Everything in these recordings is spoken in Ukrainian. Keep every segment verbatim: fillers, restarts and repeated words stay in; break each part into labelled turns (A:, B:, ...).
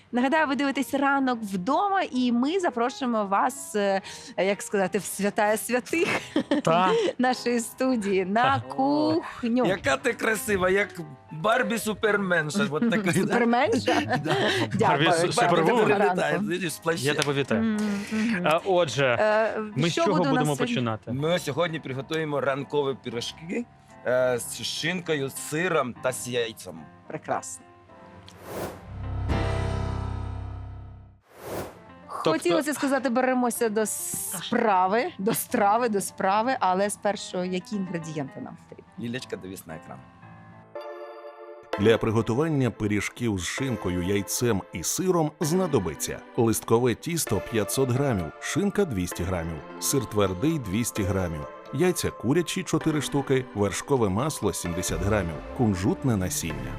A: Нагадаю, ви дивитесь «Ранок вдома», і ми запрошуємо вас, е, як сказати, в святая святих
B: Та.
A: нашої студії на кухню.
C: Яка ти красива, як Барбі Суперменша. Вот така.
A: Суперменша?
C: Да.
A: Дякую.
B: Барбі
C: Барбі,
B: Супервумен.
C: яка
A: Ранку.
C: літає, видиш, з плащем.
B: Я тебе вітаю.
A: М, мгм.
B: А, Отже,
A: Е,
B: ми з
A: що
B: чого
A: буде у нас
B: будемо
A: сьогодні?
B: починати?
C: Ми сьогодні приготуємо ранкові пирожки е, з шинкою, з сиром та з яйцем.
A: Прекрасно.
B: Тобто-
A: Хотілося сказати, беремося до справи, до страви, до справи, але спершу які інгредієнти нам потрібні?
C: Лілечка, дивись на екран.
D: Для приготування пиріжків з шинкою, яйцем і сиром знадобиться листкове тісто п'ятсот грамів, шинка двісті грамів, сир твердий двісті грамів, яйця курячі чотири штуки, вершкове масло сімдесят грамів, кунжутне насіння.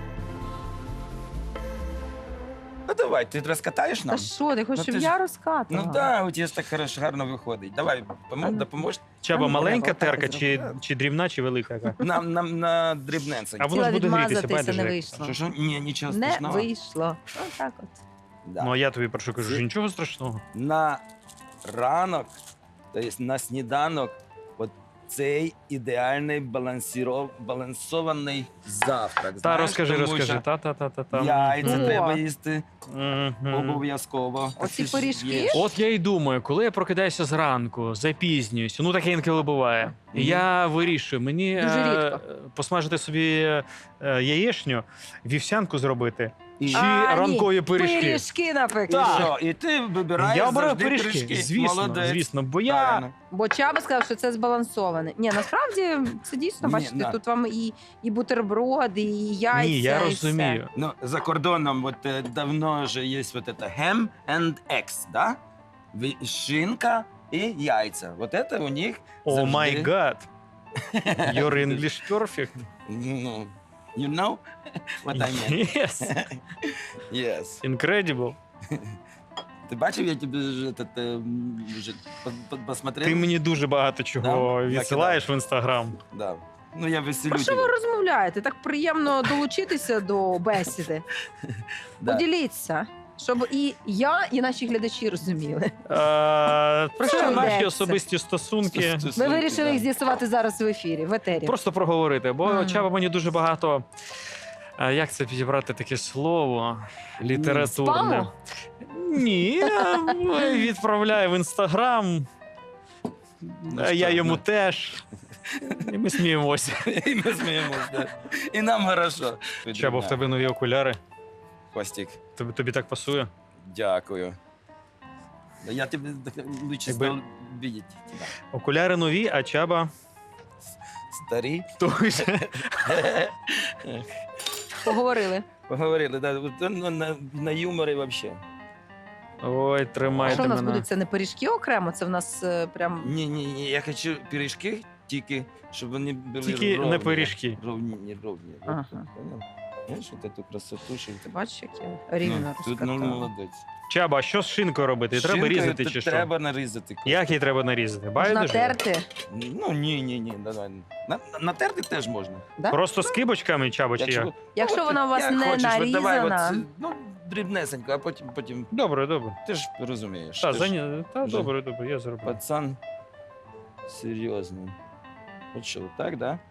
C: Ну давай, ти розкатаєш
A: Та
C: нам?
A: що, ти хочеш,
C: Ну,
A: щоб
C: ти ж-
A: я розкатувала?
C: Ну так, у тебе ж так хорошо, гарно виходить. Давай, помо- допоможеш
B: Чаба,
A: Ну,
B: маленька
A: треба
B: терка
A: так
B: чи,
C: зробити.
B: чи дрібна, чи велика яка?
C: нам, нам на дрібненце.
B: А воно ж
A: Хотіла
B: буде грітися,
A: відмазатися, не
B: байдуже.
A: вийшло.
C: Що, що? Ні, нічого
A: Не
C: страшного.
A: вийшло. Отак от.
C: Да.
B: Ну, а я тобі прошу, кажу,
C: Це-
B: що нічого страшного.
C: На ранок, тобто на сніданок, от цей ідеальний балансіро... балансований завтрак.
B: Та,
C: Знаєш,
B: розкажи,
C: тому
B: розкажи.
C: що
B: Та-та-та-та-та.
C: Яйця
A: О.
C: треба їсти
B: Мгм.
C: обов'язково.
A: Оці
C: Ти ж
A: пиріжки?
C: їш.
B: От я і думаю, коли я прокидаюся зранку, запізнююся, ну таке інколи буває. І
C: Мгм.
B: я вирішую, мені
A: Дуже
B: е,
A: рідко.
B: посмажити собі е, яєчню, вівсянку зробити,
C: І-
B: чи
A: А, ні,
B: ранкові пиріжки.
A: Пиріжки,
C: І
A: наприклад.
C: що? І ти вибираєш
B: Я обираю
C: завжди
B: пиріжки, звісно,
C: Молодець.
B: звісно, бо я
C: Правильно.
A: Бо Чаба сказав, що це збалансоване. Ні, насправді це дійсно,
C: Ні,
A: бачите,
C: на.
A: тут вам і, і бутерброди, і яйця.
B: ні, я
A: і
B: розумію.
C: Ну, за кордоном вот, э, давно же есть вот это ham and eggs, да? Ви- Шинка и яйца. Вот это у них
B: О
C: завжди-
B: май гад. Your English perfect.
C: Ну, you know what I mean?
B: Yes.
C: Yes.
B: Incredible.
C: Ти бачив, я тобі вже, этот, е, вже по- по- посмотрел?
B: Ти мені дуже багато чого
C: Да?
B: відсилаєш в інстаграм.
C: Да. Ну, я веселю
A: Про що
C: тебе.
A: ви розмовляєте? Так приємно долучитися до бесіди.
C: Да.
A: Поділіться, щоб і я, і наші глядачі розуміли.
B: Е,
A: Про що
B: Це наші
A: йдеться?
B: особисті стосунки.
C: Стосунки,
A: Ми вирішили
C: да.
A: їх з'ясувати зараз в ефірі, в етері.
B: Просто проговорити, бо
A: Мгм.
B: Чаба мені дуже багато. е, Як це підібрати таке слово? Літературне.
A: Спаму?
B: Ні, е, відправляє в інстаграм.
C: Ну,
B: а
C: що,
B: я йому
C: ну.
B: теж. І ми сміємося.
C: І ми сміємося, да. І нам хорошо.
B: Чаба, в тебе нові окуляри.
C: Хвостик.
B: Тобі, тобі так пасує?
C: Дякую. Да я тебе так лучше
B: Якби-
C: стал видеть тебя.
B: Окуляри нові, а Чаба
C: Старі.
B: той же.
A: Поговорили.
C: Поговорили, да. Вот он на, на, на юморі вообще.
B: Ой,
A: А
B: тримайте
A: що в нас
B: мене.
A: будуть? Це не пиріжки окремо, це в нас е, прям.
C: Ні, ні, ні, я хочу пиріжки, тільки, щоб вони були
B: Тільки
C: ровні.
B: не пиріжки.
C: Ровні, не ровні. Вот
A: Ага.
C: тут, понял? Знаєш, от цю красоту, що
A: Ти бачиш, як я рівно
C: ну, тут, ну,
A: розкатала.
C: молодець.
B: Чаба, а що з шинкою робити? Треба
C: Шинкою
B: різати
C: т-
B: чи що?
C: Треба нарізати.
B: Як її треба нарізати?
A: Можна
B: Байдуже?
A: терти,
C: Ну, ні, ні, ні, давай. На, на- натерти теж можна.
A: да?
B: Просто з кибочками, Чаба, чи як?
A: Якщо
C: ну, от
A: вона у вас
C: як
A: не
C: хочеш, от давай, от,
A: нарізана.
C: ну, дрібнесенько, а потім, потім
B: Добре, добре.
C: ти ж розумієш.
B: Та,
C: ти ж
B: заня... Та
C: вже
B: добре, добре, я зроблю.
C: пацан серйозний. От що, так, да?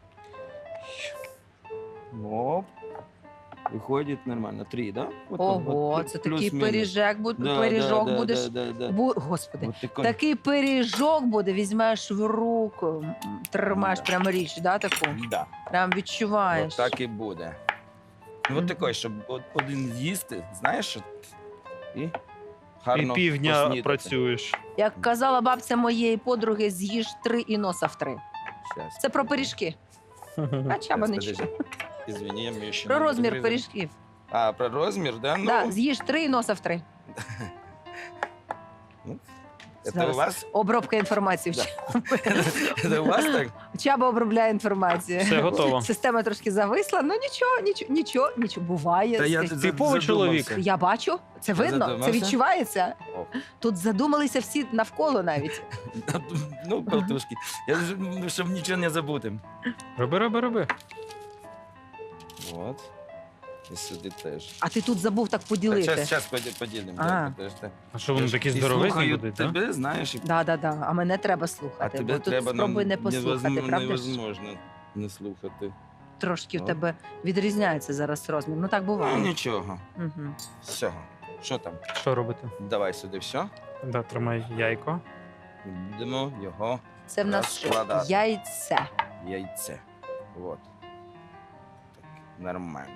C: Оп. Виходить нормально. Три, да? От,
A: Ого,
C: от,
A: це
C: плюс-мінус.
A: такий пиріжок, буде,
C: Да,
A: пиріжок
C: да, да,
A: будеш.
C: Да, да, да.
A: Бу... Господи,
C: От такой.
A: такий пиріжок буде, візьмеш в руку, м, тримаєш
C: Да.
A: прямо річ, да, таку?
C: Да.
A: Прям відчуваєш.
C: От так і буде. Ну,
A: Мгм.
C: от такий, щоб от один з'їсти, знаєш, от, і
B: І
C: гарно
B: півдня
C: поснідати.
B: працюєш.
A: Як казала бабця моєї подруги, з'їж три і носа в три.
C: Щас.
A: Це про пиріжки. А Чаба не
C: Подожди.
A: чує.
C: Извини, я мне еще
A: Про
C: не
A: розмір
C: розрізав.
A: пиріжків.
C: А, про розмір, да? Ну,
A: Да, з'їж три і носа в три.
C: це
A: Зараз.
C: у вас?
A: Обробка інформації.
C: Да. Це у вас так?
A: Чаба обробляє інформацію.
B: Все готово.
A: Система трошки зависла, ну нічого, нічого, нічого, нічого. Буває.
C: Та я
A: Скажіть.
C: за-
B: Типовий
C: задумався.
B: чоловік.
A: Я бачу, це видно, це
C: задумався?
A: відчувається.
C: О.
A: Тут задумалися всі навколо навіть.
C: Ну, болтушки. Я ж, ну, щоб нічого не забути.
B: Роби, роби, роби.
C: Вот. І сюди теж.
A: А ти тут забув так поділити.
C: Зараз, зараз поділимо.
A: А.
C: Да, подожди.
B: А що вони
C: Я ж
B: такі
C: і
B: здоровезні
C: слухаю
B: будуть, так?
C: тебе, знаєш, і
A: Да, да, да. А мене треба
C: а
A: слухати.
C: тебе
A: бо тут
C: треба
A: спробуй
C: нам
A: не послухати,
C: невозм-
A: правда ж?
C: невозможно не слухати.
A: Трошки в
C: Ну.
A: тебе відрізняється зараз розмір. Ну так
C: Ну,
A: буває.
C: нічого.
A: Угу.
C: Все. Що там?
B: Що робити?
C: Давай сюди все.
B: Да, тримай яйко.
C: Будемо його
A: Це в нас що?
C: Розкладати.
A: Яйце.
C: яйце. Вот. Так, нормально.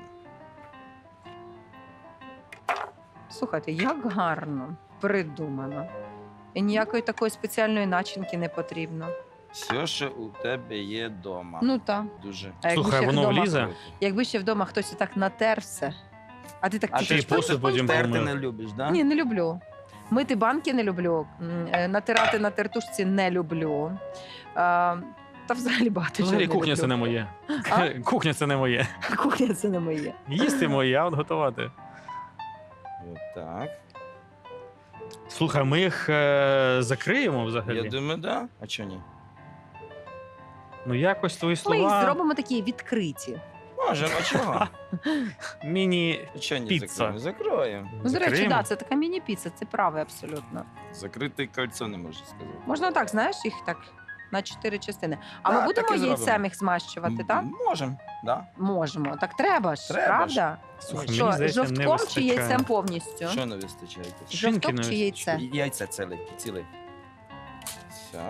A: Слухайте, як гарно придумано. І ніякої такої спеціальної начинки не потрібно.
C: Все, що у тебе є вдома.
A: Ну так.
C: Дуже.
A: А якби
B: Слухай,
A: ще
B: воно
A: вдома,
B: влізе?
A: якби ще вдома хтось так натер все. А ти так
C: А
A: тільки
C: ти
B: ж посуд потім
C: терти
B: помив.
C: не любиш, да?
A: Ні, не люблю. Мити банки не люблю. М, е, Натирати на тертушці не люблю. А, та взагалі багато чого
B: Взагалі
A: не
B: кухня
A: люблю.
B: це не моє.
A: А?
B: Кухня це не моє.
A: Кухня це не моє.
B: Їсти моє, а от готувати.
C: От так.
B: Слухай, ми їх е, закриємо взагалі.
C: Я думаю, да. А чого ні?
B: Ну якось твої
A: Ми їх
B: слова.
A: зробимо такі відкриті.
C: Можемо, а чого?
B: Міні.
C: А чого не
B: Піца.
C: закроємо? Закроємо.
A: Ну, до речі,
B: закриємо.
A: да, це така міні-піца, це праве абсолютно.
C: Закрите кольцо не можу сказати.
A: Можна так, знаєш, їх так на чотири частини. А
C: Да,
A: ми будемо
C: так і
A: яйцем
C: зробимо.
A: їх змащувати,
C: М,
A: так?
C: Можемо, да.
A: Можемо. Так треба ж,
C: Треба
A: правда?
B: Слухай,
A: Що,
B: мені здається, не
A: жовтком чи
B: вистачає.
A: яйцем повністю?
C: Що не вистачає?
B: Шинки
A: Жовток
B: не
A: чи яйце?
C: Яйця ціле, ціле. Все.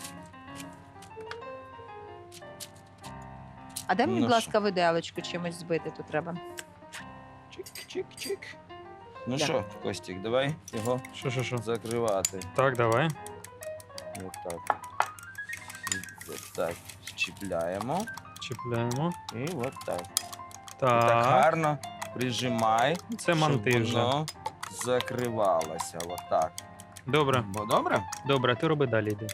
A: А де мені,
C: Ну
A: будь
C: що?
A: ласка, виделочку чимось збити тут треба?
C: Чик-чик-чик. Ну
A: Да.
C: що, Костік, давай його
B: Що, що, що?
C: закривати.
B: Так, давай.
C: От так. От так. Чіпляємо.
B: Чіпляємо.
C: І от так. І так
B: Так.
C: гарно прижимай,
B: Це манти
C: щоб
B: вже.
C: воно закривалося. От так.
B: Добре,
C: Бо добре?
B: добре, ти роби далі йди.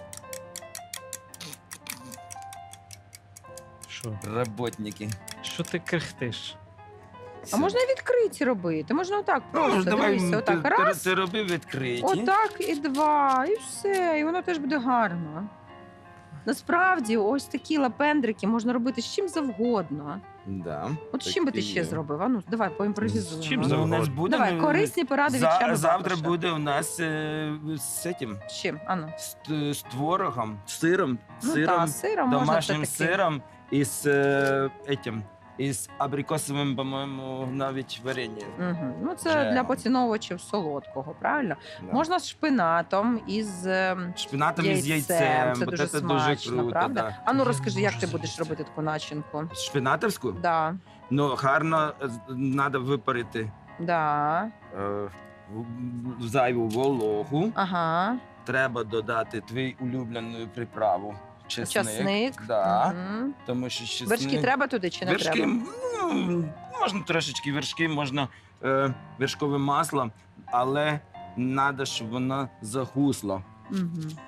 B: Що?
C: Роботники.
B: Що ти крихтиш?
A: А можна і відкриті робити. Можна отак просто.
C: Ну, давай,
A: Дивися,
C: ти,
A: отак.
C: ти,
A: Раз,
C: ти роби відкриті.
A: отак і два, і все. І воно теж буде гарно. Насправді, ось такі лапендрики можна робити з чим завгодно.
C: Да,
A: От з
C: так
A: чим би
C: і
A: ти ще
C: є.
A: зробив? А ну, давай поімпровізуємо.
B: З чим
C: Ну, у
B: завгодно.
C: нас буде
A: Давай, корисні поради від
C: За,
A: Чаби
C: завтра
A: Бабуша.
C: буде у нас е, з цим,
A: З чим? А ну.
C: з, т- з творогом, сиром,
A: Ну
C: сиром,
A: та, сиром можна
C: домашнім
A: це таки.
C: сиром і з е, етим, і з абрикосовим, по-моєму, навіть варенням.
A: Угу. Ну, це
C: Джемом.
A: для поціновувачів солодкого, правильно?
C: Да.
A: Можна з шпинатом із ем,
C: Шпинатом із
A: яйцем.
C: яйцем.
A: Це
C: От
A: дуже
C: це
A: смачно,
C: круто,
A: правда?
C: Да.
A: А ну
B: Я
A: розкажи,
B: не
A: як
B: можу
A: ти будеш
B: з'їсти.
A: робити таку начинку?
C: Шпинатовську?
A: Да,
C: Ну, гарно треба випарити
A: да.
C: е, в- зайву вологу.
A: Ага.
C: Треба додати твій улюблену приправу. Чесник.
A: Часник.
C: Да.
A: Мгм.
C: Тому що чесник...
A: Вершки треба туди чи не
C: Вершки,
A: треба?
C: ну, можна трошечки вершки, можна е, вершкове масло, але треба, щоб воно загусло.
A: Угу.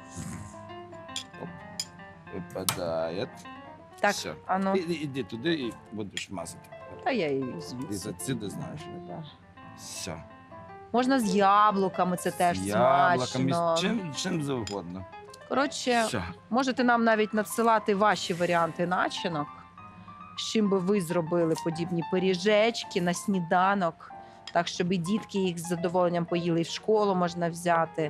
C: Випадає.
A: Так,
C: Все.
A: а ну.
C: І, і- іди туди і будеш мазати.
A: Та я її
C: Ти
A: звідси.
C: звідси знаєш.
A: Да.
C: Все.
A: Можна з яблуками, це теж
C: З яблуками,
A: смачно.
C: з чим, чим завгодно.
A: Коротше,
C: Все.
A: можете нам навіть надсилати ваші варіанти начинок, з чим би ви зробили подібні пиріжечки на сніданок, так щоб і дітки їх з задоволенням поїли, і в школу можна взяти.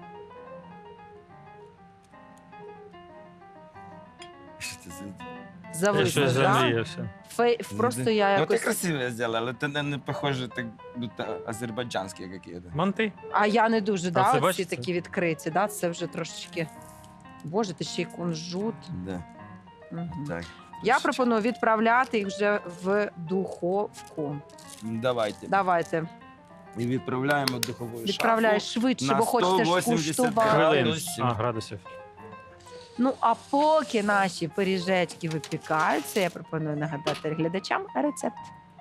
C: Що ти за-
B: Я
A: Зависли,
B: щось
A: да?
B: замріявся.
A: Фей... Просто я
C: Ну, ти
A: якось...
C: красиво зробила, але ти не, не похоже, так, будто азербайджанські якісь.
B: Манти?
A: А я не дуже,
B: А
A: да,
B: це
A: оці
B: бачите?
A: такі відкриті, да? Це вже трошечки... Боже, ти ще й кунжут.
C: Да.
A: Мгм.
C: Так.
A: Я пропоную відправляти їх вже в духовку.
C: Давайте.
A: Давайте,
C: І відправляємо в духову
A: відправляй
C: шафу.
A: швидше,
C: на
A: бо хочете ж
C: сто вісімдесят
A: скуштувати.
C: градусів.
B: Хвилин.
C: Градусів.
B: А, градусів.
A: Ну, а поки наші пиріжечки випікаються, я пропоную нагадати глядачам рецепт.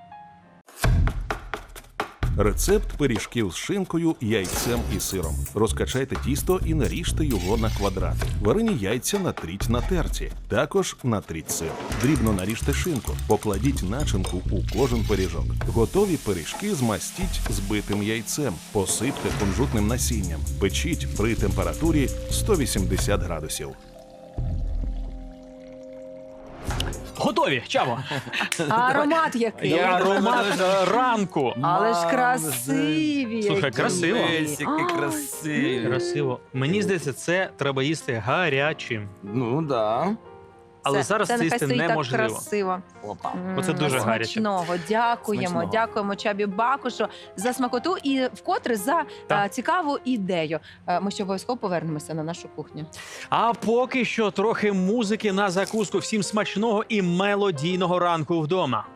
D: Рецепт пиріжків з шинкою, яйцем і сиром. Розкачайте тісто і наріжте його на квадрати. Варені яйця натріть на терці. Також натріть сир. Дрібно наріжте шинку. Покладіть начинку у кожен пиріжок. Готові пиріжки змастіть збитим яйцем. Посипте кунжутним насінням. Печіть при температурі сто вісімдесят градусів.
B: Готові, Чаво.
A: А аромат який?
B: Я аромат е, ранку.
A: Але ж
C: Мам,
A: красиві.
B: Слухай,
A: які.
B: красиво.
C: Дивись, які
A: А,
C: красиві.
B: Красиво. Мені здається, це треба їсти гарячим.
C: Ну, да.
B: Але
A: Це-
B: зараз це
A: нехай
B: їсти
A: стоїть так
B: неможливо.
A: красиво.
C: Опа.
A: М,
B: Оце дуже гаряче.
A: Смачного. Дякуємо,
C: Смачного.
A: дякуємо Чабі Бакушу за смакоту і вкотре за
B: Так.
A: е, цікаву ідею. Е, Ми ще обов'язково повернемося на нашу кухню.
B: А поки що трохи музики на закуску. Всім смачного і мелодійного ранку вдома.